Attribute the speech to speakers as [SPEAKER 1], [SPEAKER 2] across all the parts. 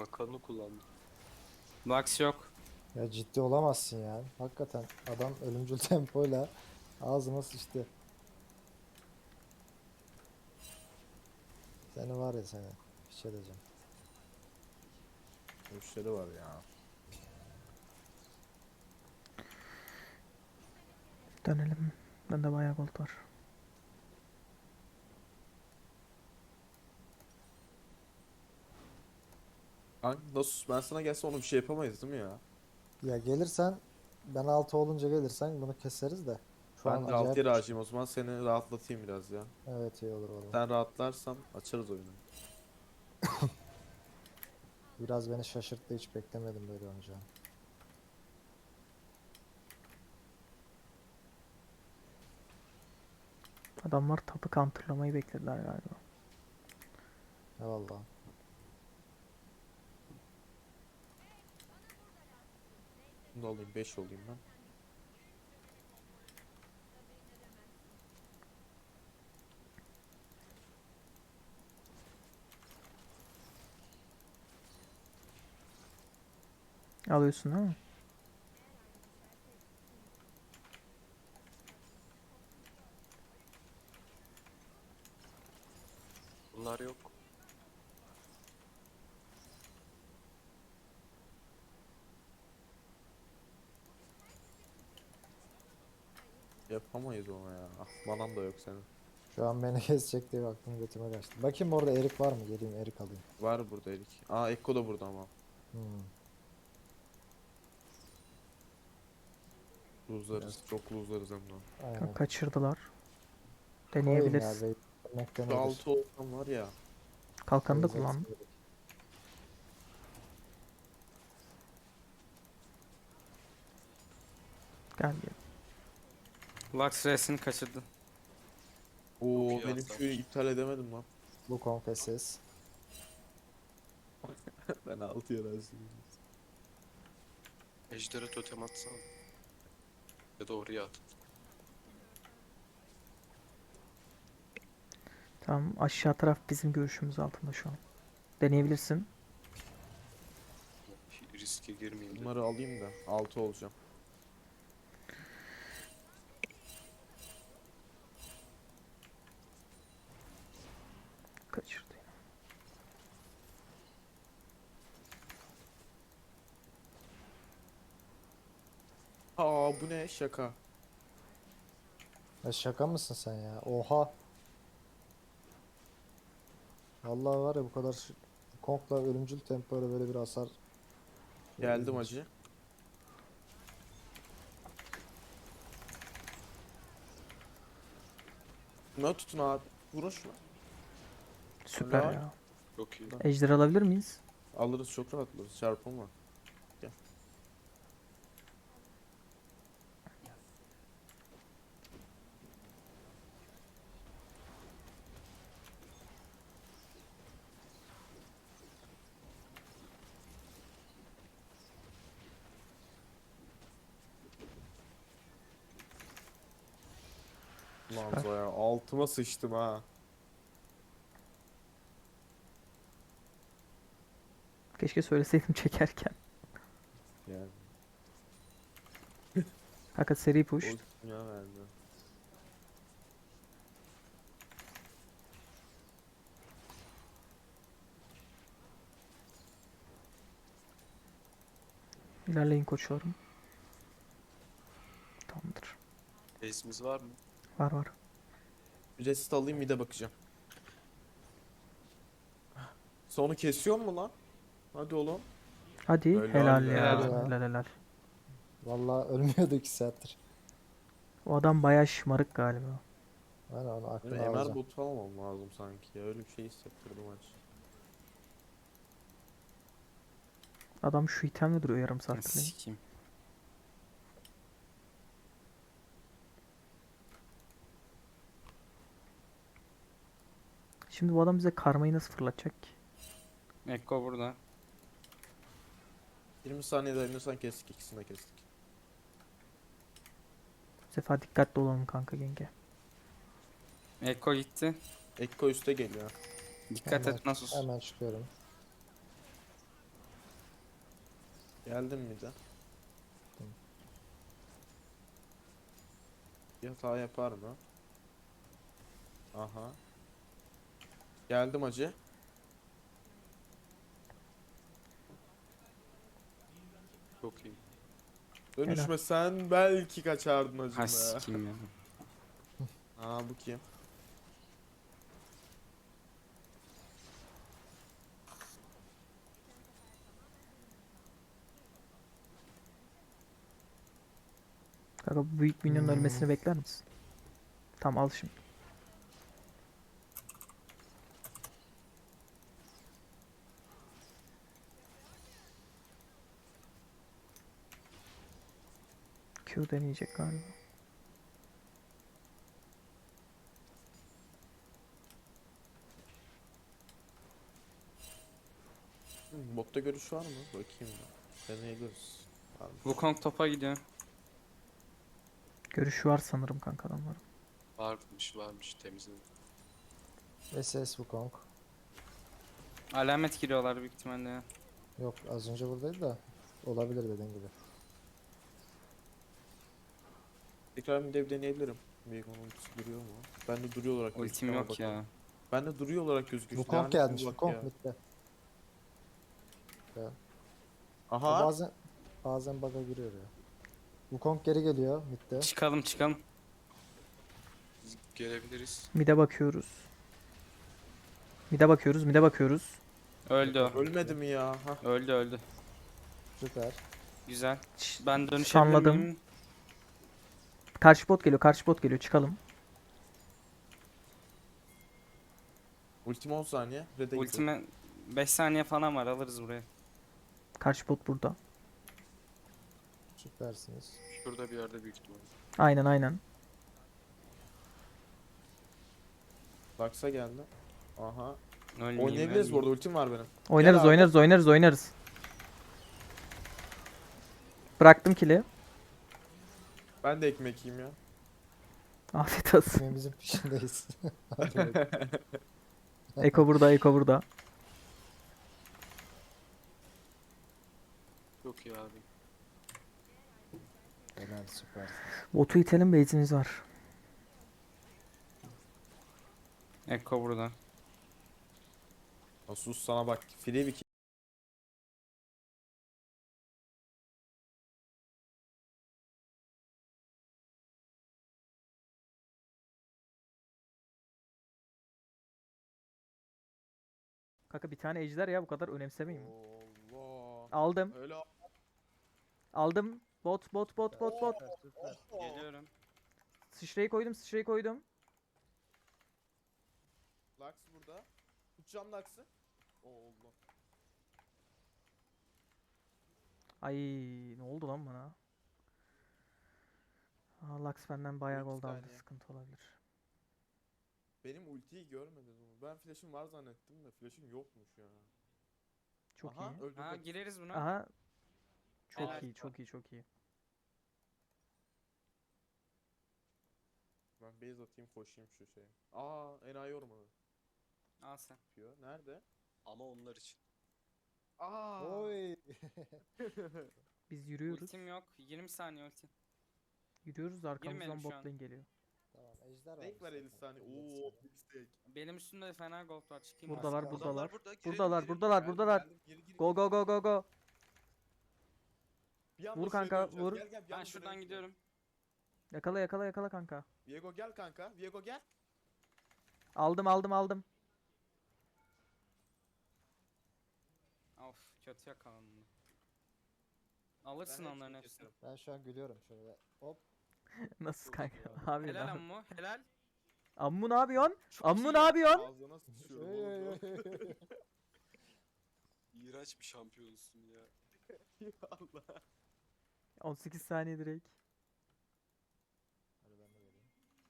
[SPEAKER 1] Hakan'ı kullandı.
[SPEAKER 2] Lux yok.
[SPEAKER 3] Ya ciddi olamazsın ya. Hakikaten adam ölümcül tempoyla ağzıma sıçtı. Seni var ya seni. Bir şey diyeceğim.
[SPEAKER 4] Müşteri var ya.
[SPEAKER 5] Dönelim. Bende bayağı gold var.
[SPEAKER 4] Nasıl ben sana gelse onu bir şey yapamayız değil mi ya?
[SPEAKER 3] Ya gelirsen ben 6 olunca gelirsen bunu keseriz de. Şu an
[SPEAKER 4] Ben de alt
[SPEAKER 3] acayip
[SPEAKER 4] yere harcayayım o zaman seni rahatlatayım biraz ya.
[SPEAKER 3] evet iyi olur valla.
[SPEAKER 4] Sen rahatlarsan açarız oyunu.
[SPEAKER 3] Biraz beni şaşırttı, hiç beklemedim böyle oynayacağını.
[SPEAKER 5] Adamlar tapı counterlamayı beklediler galiba.
[SPEAKER 3] Eyvallah.
[SPEAKER 4] Bunu da alayım 5 olayım ben.
[SPEAKER 5] Alıyorsun değil mi?
[SPEAKER 1] Bunlar yok.
[SPEAKER 4] Yapamayız ona ya. Ah, manam da yok senin.
[SPEAKER 3] Şu an beni kesecek diye baktım, götüme kaçtı. Bakayım orada erik var mı? Geleyim erik alayım.
[SPEAKER 4] Var burada Erik. Aa Ekko da burada ama.
[SPEAKER 3] Hmm.
[SPEAKER 4] Luzlarız. Çok luzlarız hem de.
[SPEAKER 3] Aynen.
[SPEAKER 5] Kaçırdılar.
[SPEAKER 3] Koyayım ya,
[SPEAKER 5] Deneyebiliriz.
[SPEAKER 3] beklemekten
[SPEAKER 4] Şu
[SPEAKER 3] iyidir.
[SPEAKER 4] 6 olsam var ya.
[SPEAKER 5] Kalkanı da
[SPEAKER 3] Koyacaksın
[SPEAKER 5] kullandım.
[SPEAKER 3] erik.
[SPEAKER 5] Gel gel.
[SPEAKER 2] Lux resini kaçırdı.
[SPEAKER 4] Oo
[SPEAKER 1] iyi
[SPEAKER 4] benim
[SPEAKER 1] atlar.
[SPEAKER 4] köyü iptal edemedim lan.
[SPEAKER 3] Bu konfesiz.
[SPEAKER 4] Ben 6 yere harcayayım.
[SPEAKER 1] Ejder'e totem atsana. Ya da oraya at.
[SPEAKER 5] Tamam, aşağı taraf bizim görüşümüz altında şu an. Deneyebilirsin.
[SPEAKER 1] Riske girmeyeyim de.
[SPEAKER 4] Bunları alayım da 6 olacağım.
[SPEAKER 5] Kaçırdı.
[SPEAKER 4] Aa bu ne şaka.
[SPEAKER 3] Ya şaka mısın sen ya? Oha. Vallahi var ya, bu kadar Kong'la ölümcül tempoyla böyle bir hasar.
[SPEAKER 4] Geldim
[SPEAKER 3] İlginç.
[SPEAKER 4] acı. Şuna tutun abi. Vurun şuna.
[SPEAKER 5] Süper
[SPEAKER 4] Helal.
[SPEAKER 5] ya.
[SPEAKER 1] Çok iyi.
[SPEAKER 5] Ejder alabilir miyiz?
[SPEAKER 4] Alırız çok rahat alırız. Çarpım var. Gel. Lan
[SPEAKER 5] Süper.
[SPEAKER 4] Zoya altıma sıçtım ha.
[SPEAKER 5] Keşke söyleseydim çekerken.
[SPEAKER 4] Yani
[SPEAKER 5] Fakat seri push.
[SPEAKER 4] o dünya verdi.
[SPEAKER 5] İlerleyin koçlarım. Tamamdır.
[SPEAKER 1] Base'imiz var mı?
[SPEAKER 5] Var var.
[SPEAKER 4] Bir rest alayım bir de bakacağım. Sonu kesiyor mu lan? Hadi oğlum.
[SPEAKER 5] Hadi
[SPEAKER 4] Helal
[SPEAKER 5] helal
[SPEAKER 4] ya.
[SPEAKER 5] ya.
[SPEAKER 3] Helal ya.
[SPEAKER 5] Helal helal.
[SPEAKER 3] Vallahi ölmüyordu 2 saattir.
[SPEAKER 5] O adam bayağı şımarık galiba.
[SPEAKER 3] Aynen, onu
[SPEAKER 4] Benim
[SPEAKER 3] aklına
[SPEAKER 4] MR
[SPEAKER 3] alacağım.
[SPEAKER 4] botu almam lazım sanki ya. Öyle bir şey hissettirdi maç.
[SPEAKER 5] Adam şu itemle duruyor yarım saattir.
[SPEAKER 2] Sikeyim.
[SPEAKER 5] Şimdi bu adam bize karmayı nasıl fırlatacak ki?
[SPEAKER 2] Ekko burada.
[SPEAKER 4] 20 saniye dayanırsan kestik, ikisini de kestik.
[SPEAKER 5] Bu sefer dikkatli olalım kanka genge.
[SPEAKER 2] Ekko gitti.
[SPEAKER 4] Ekko üste geliyor.
[SPEAKER 2] Dikkat
[SPEAKER 3] Hemen-
[SPEAKER 2] et Nasus.
[SPEAKER 3] Hemen çıkıyorum.
[SPEAKER 4] Geldim mi de?
[SPEAKER 3] Tamam.
[SPEAKER 4] Bir hata yapar mı? Aha. Geldim acı.
[SPEAKER 1] Çok iyi.
[SPEAKER 4] Dönüşmesen belki kaçardın
[SPEAKER 2] Ha
[SPEAKER 4] acım ya.
[SPEAKER 2] sikeyim ya.
[SPEAKER 4] Aa bu kim?
[SPEAKER 5] Kanka bu büyük minyonun ölmesini bekler misin? Tamam al şimdi. Q deneyecek galiba.
[SPEAKER 4] Botta görüş var mı? Bakayım ben. Deneyebiliriz. Var mı?
[SPEAKER 2] Wukong topa gidiyor.
[SPEAKER 5] Görüşü var sanırım kanka adamların.
[SPEAKER 1] Varmış temizledim.
[SPEAKER 3] SS Wukong.
[SPEAKER 2] Alamet giriyorlar büyük ihtimalle ya.
[SPEAKER 3] Yok az önce buradaydı da. Olabilir dediğin gibi.
[SPEAKER 4] Tekrar bir dev deneyebilirim. Veigar'ın ultisi duruyor mu? Ben de duruyor olarak
[SPEAKER 2] Ultim
[SPEAKER 4] gözüküyor ama
[SPEAKER 2] yok ya.
[SPEAKER 4] bakalım. Ben de duruyor olarak gözüküyor.
[SPEAKER 3] Wukong
[SPEAKER 4] Lanet
[SPEAKER 3] gelmiş.
[SPEAKER 4] olsun bak
[SPEAKER 3] Wukong
[SPEAKER 4] ya.
[SPEAKER 3] midde. Ya.
[SPEAKER 4] Aha.
[SPEAKER 3] Bazen bug'a giriyor ya. Wukong geri geliyor midde.
[SPEAKER 2] Çıkalım çıkalım.
[SPEAKER 1] Biz gelebiliriz.
[SPEAKER 5] Mide bakıyoruz. Mide bakıyoruz, mide bakıyoruz.
[SPEAKER 2] Öldü o.
[SPEAKER 4] Ölmedi mi ya? Ha.
[SPEAKER 2] Öldü.
[SPEAKER 3] Süper.
[SPEAKER 2] Güzel. Ben dönüşebilir
[SPEAKER 5] Sanladım.
[SPEAKER 2] miyim?
[SPEAKER 5] Karşı bot geliyor, karşı bot geliyor. Çıkalım.
[SPEAKER 4] Ultim 10 saniye. Red'e gidiyor.
[SPEAKER 2] Ultime 5 saniye falan var, alırız burayı.
[SPEAKER 5] Karşı bot burada.
[SPEAKER 3] Süpersiniz.
[SPEAKER 1] Şurada bir yerde büyük ihtimalle.
[SPEAKER 5] Aynen aynen.
[SPEAKER 4] Lux'a geldi. Aha.
[SPEAKER 2] Ölmeyeyim,
[SPEAKER 4] Oynayabiliriz bu
[SPEAKER 2] ölmeyeyim.
[SPEAKER 4] arada. Ultim var benim.
[SPEAKER 5] Oynarız,
[SPEAKER 4] abi.
[SPEAKER 5] oynarız. Bıraktım kili.
[SPEAKER 4] Ben de ekmek yiyeyim ya.
[SPEAKER 5] Afiyet olsun.
[SPEAKER 3] Ekmeğimizin peşindeyiz. Hadi bakalım.
[SPEAKER 5] Eko burada, Eko burada.
[SPEAKER 1] Çok iyi abi.
[SPEAKER 3] Helal süpersiniz.
[SPEAKER 5] Botu itelim, base'imiz var.
[SPEAKER 2] Ekko burada.
[SPEAKER 4] Sus sana bak. Free bir
[SPEAKER 5] Kanka bir tane ejder ya, bu kadar önemsemeyin.
[SPEAKER 4] Allah.
[SPEAKER 5] Aldım.
[SPEAKER 4] Öyle
[SPEAKER 5] Aldım. Bot.
[SPEAKER 3] Süper.
[SPEAKER 2] Geliyorum.
[SPEAKER 5] Sıçrayı koydum.
[SPEAKER 4] Lux burada. Tutacağım Lux'ı. Allah.
[SPEAKER 5] Ay ne oldu lan bana? Aa, Lux benden bayağı
[SPEAKER 4] Bir
[SPEAKER 5] gold aldı.
[SPEAKER 4] saniye.
[SPEAKER 5] Sıkıntı olabilir.
[SPEAKER 4] Benim ultiyi görmedin mi? Ben flash'ım var zannettim de flash'ım yokmuş ya.
[SPEAKER 5] Çok
[SPEAKER 4] Aha,
[SPEAKER 5] iyi.
[SPEAKER 4] öldürdüm.
[SPEAKER 2] Ha gireriz buna.
[SPEAKER 5] Aha. Çok
[SPEAKER 2] Helal.
[SPEAKER 5] iyi, çok iyi.
[SPEAKER 4] Ben base atayım koşayım şu şeye. Aa, enayi ormanı
[SPEAKER 2] Al sen.
[SPEAKER 4] yapıyor. Nerede?
[SPEAKER 1] Ama onlar için.
[SPEAKER 4] Aa.
[SPEAKER 3] Oy.
[SPEAKER 5] Biz yürüyoruz.
[SPEAKER 2] Ultim yok. 20 saniye ultim.
[SPEAKER 5] Yürüyoruz da arkamızdan
[SPEAKER 2] Girmeyelim şu
[SPEAKER 5] bot
[SPEAKER 2] an.
[SPEAKER 5] lane geliyor.
[SPEAKER 3] Tamam ejder var.
[SPEAKER 4] Renk var 50 saniye. Oo, big stack.
[SPEAKER 2] Benim üstümde de fena gold var. Çıkayım
[SPEAKER 5] Buradalar,
[SPEAKER 2] ben.
[SPEAKER 5] buradalar.
[SPEAKER 1] Burada.
[SPEAKER 5] Buradalar.
[SPEAKER 4] Geldim, geri,
[SPEAKER 5] Go go go go go.
[SPEAKER 4] Bir anda
[SPEAKER 5] Vur
[SPEAKER 4] şuraya
[SPEAKER 5] kanka,
[SPEAKER 4] döneceğiz.
[SPEAKER 5] vur.
[SPEAKER 4] Gel, bir
[SPEAKER 2] Ben
[SPEAKER 4] anda
[SPEAKER 2] şuradan
[SPEAKER 4] dönelim.
[SPEAKER 2] gidiyorum.
[SPEAKER 5] Yakala kanka.
[SPEAKER 4] Viego gel kanka. Viego gel.
[SPEAKER 5] Aldım.
[SPEAKER 2] Of kötü yakalandım. Alırsın
[SPEAKER 4] Ben
[SPEAKER 2] onların
[SPEAKER 4] hepsini
[SPEAKER 2] hepsini.
[SPEAKER 4] kesiyorum.
[SPEAKER 3] Ben şu an gülüyorum şöyle. Hop.
[SPEAKER 5] Nasıl
[SPEAKER 4] Çok
[SPEAKER 5] kanka?
[SPEAKER 4] iyi
[SPEAKER 5] Abi
[SPEAKER 2] Helal
[SPEAKER 5] lan.
[SPEAKER 2] ammu. Helal.
[SPEAKER 5] Ammu ne yapıyorsun?
[SPEAKER 2] Çok
[SPEAKER 5] Ammu
[SPEAKER 2] iyi
[SPEAKER 5] ne
[SPEAKER 2] ya.
[SPEAKER 5] yapıyorsun?
[SPEAKER 4] Ağzına sıçıyorum
[SPEAKER 3] Oy, oy,
[SPEAKER 4] oğlum.
[SPEAKER 3] oy.
[SPEAKER 1] İğrenç bir şampiyonsun ya.
[SPEAKER 4] Allah.
[SPEAKER 5] 18 saniye direkt.
[SPEAKER 3] Hadi ben de vereyim.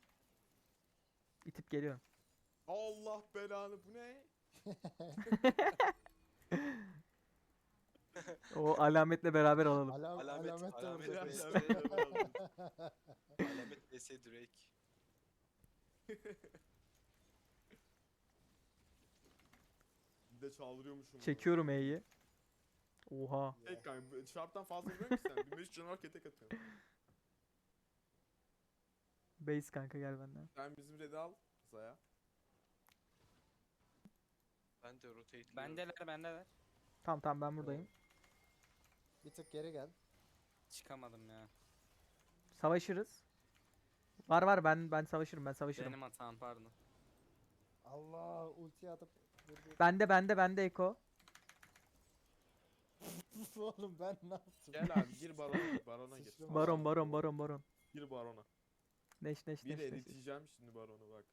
[SPEAKER 5] İtip geliyorum.
[SPEAKER 4] Allah belanı bu ne?
[SPEAKER 5] O alametle beraber alalım.
[SPEAKER 1] Alamet
[SPEAKER 3] de orada.
[SPEAKER 1] vs. Alamet vs Drake.
[SPEAKER 4] Bir de çaldırıyormuşum. bunu.
[SPEAKER 5] Çekiyorum E'yi. Oha.
[SPEAKER 4] Tek kanka. Şarptan fazla vuruyor musun sen? 1500 canavar tek atıyorsun.
[SPEAKER 5] Base kanka gel benden.
[SPEAKER 4] Sen bizim red'i al. Zaya.
[SPEAKER 1] Ben de rotate'liyorum.
[SPEAKER 2] Bendeler.
[SPEAKER 5] Tamam tamam ben buradayım.
[SPEAKER 3] Bir tık geri gel.
[SPEAKER 2] Çıkamadım ya.
[SPEAKER 5] Savaşırız. Var ben savaşırım.
[SPEAKER 2] Benim hatam pardon.
[SPEAKER 3] Allah ulti atıp dur.
[SPEAKER 5] Bende Eko.
[SPEAKER 3] Oğlum ben ne yaptım?
[SPEAKER 4] Gel abi gir barona. Barona gir.
[SPEAKER 3] Sıçrama.
[SPEAKER 5] Baron.
[SPEAKER 4] Gir barona.
[SPEAKER 5] Neş.
[SPEAKER 4] Bir eriteceğim şimdi baronu bak.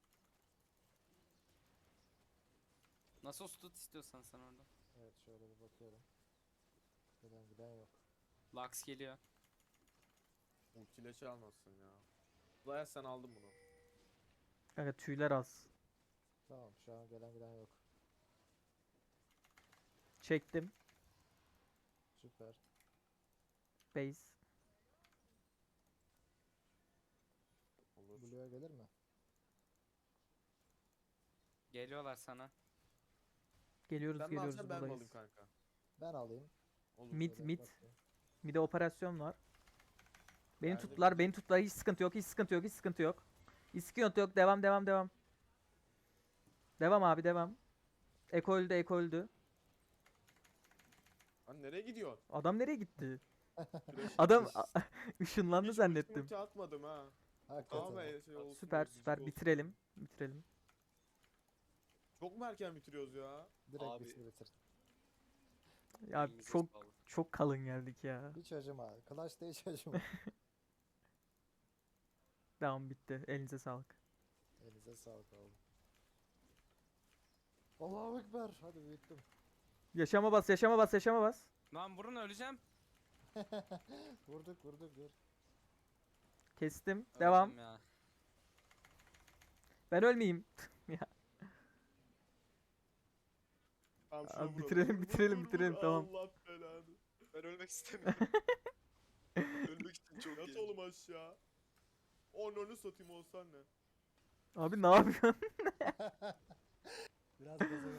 [SPEAKER 2] Nasıl tut istiyorsan sen orada.
[SPEAKER 3] Evet şöyle bir bakıyorum. Giden yok.
[SPEAKER 2] Lux geliyor.
[SPEAKER 4] Ultiyle çalmazsın ya. Zaya sen aldın bunu.
[SPEAKER 5] Kanka tüyler az.
[SPEAKER 3] Tamam şu an giden yok.
[SPEAKER 5] Çektim.
[SPEAKER 3] Süper.
[SPEAKER 5] Base.
[SPEAKER 4] Olur.
[SPEAKER 3] Blue'ya gelir mi?
[SPEAKER 2] Geliyorlar sana.
[SPEAKER 5] Geliyoruz
[SPEAKER 4] Sen mi alacaksın ben mi alayım
[SPEAKER 5] buradayız.
[SPEAKER 4] kanka?
[SPEAKER 3] Ben alayım.
[SPEAKER 4] Olur.
[SPEAKER 5] Mid.
[SPEAKER 3] Şöyle bakayım.
[SPEAKER 5] Bir de operasyon var. Beni
[SPEAKER 4] Ben de
[SPEAKER 5] tuttular. Hiç sıkıntı yok. Hiç sıkıntı yok. Devam. Devam abi devam. Eko öldü.
[SPEAKER 4] Lan nereye gidiyorsun?
[SPEAKER 5] Adam nereye gitti?
[SPEAKER 4] Flash
[SPEAKER 5] Adam
[SPEAKER 4] atmış.
[SPEAKER 5] ışınlandı
[SPEAKER 4] Hiç
[SPEAKER 5] zannettim.
[SPEAKER 4] ulti atmadım ha.
[SPEAKER 3] Hakikaten.
[SPEAKER 4] Tamam be şey olsun.
[SPEAKER 5] Süper
[SPEAKER 4] gıcık olsun.
[SPEAKER 5] bitirelim.
[SPEAKER 4] Çok mu erken bitiriyoruz ya?
[SPEAKER 3] Direkt
[SPEAKER 1] Abi.
[SPEAKER 3] bitir.
[SPEAKER 5] Ya
[SPEAKER 1] Elinize
[SPEAKER 5] çok
[SPEAKER 1] sağlık.
[SPEAKER 5] çok kalın geldik ya.
[SPEAKER 3] Hiç acıma. Clash'ta hiç acıma.
[SPEAKER 5] Devam bitti. Elinize sağlık.
[SPEAKER 3] Elinize sağlık oğlum. Allahu Ekber. Hadi büyüttüm.
[SPEAKER 5] Yaşama bas.
[SPEAKER 2] Lan vurun öleceğim.
[SPEAKER 3] Vurduk dur.
[SPEAKER 5] Kestim.
[SPEAKER 2] Öldüm
[SPEAKER 5] Devam.
[SPEAKER 2] Ya.
[SPEAKER 5] Ben ölmeyeyim. Ya.
[SPEAKER 4] Tamam,
[SPEAKER 5] Abi
[SPEAKER 4] şuna vuralım.
[SPEAKER 5] bitirelim,
[SPEAKER 4] Vur,
[SPEAKER 5] tamam.
[SPEAKER 4] Allah belanı.
[SPEAKER 1] Ben ölmek istemiyorum. Ölmek için çok
[SPEAKER 4] Yat
[SPEAKER 1] iyi.
[SPEAKER 4] oğlum aşağı. Onu satayım olsan ne?
[SPEAKER 5] Abi ne yapıyorsun?
[SPEAKER 3] Biraz gaza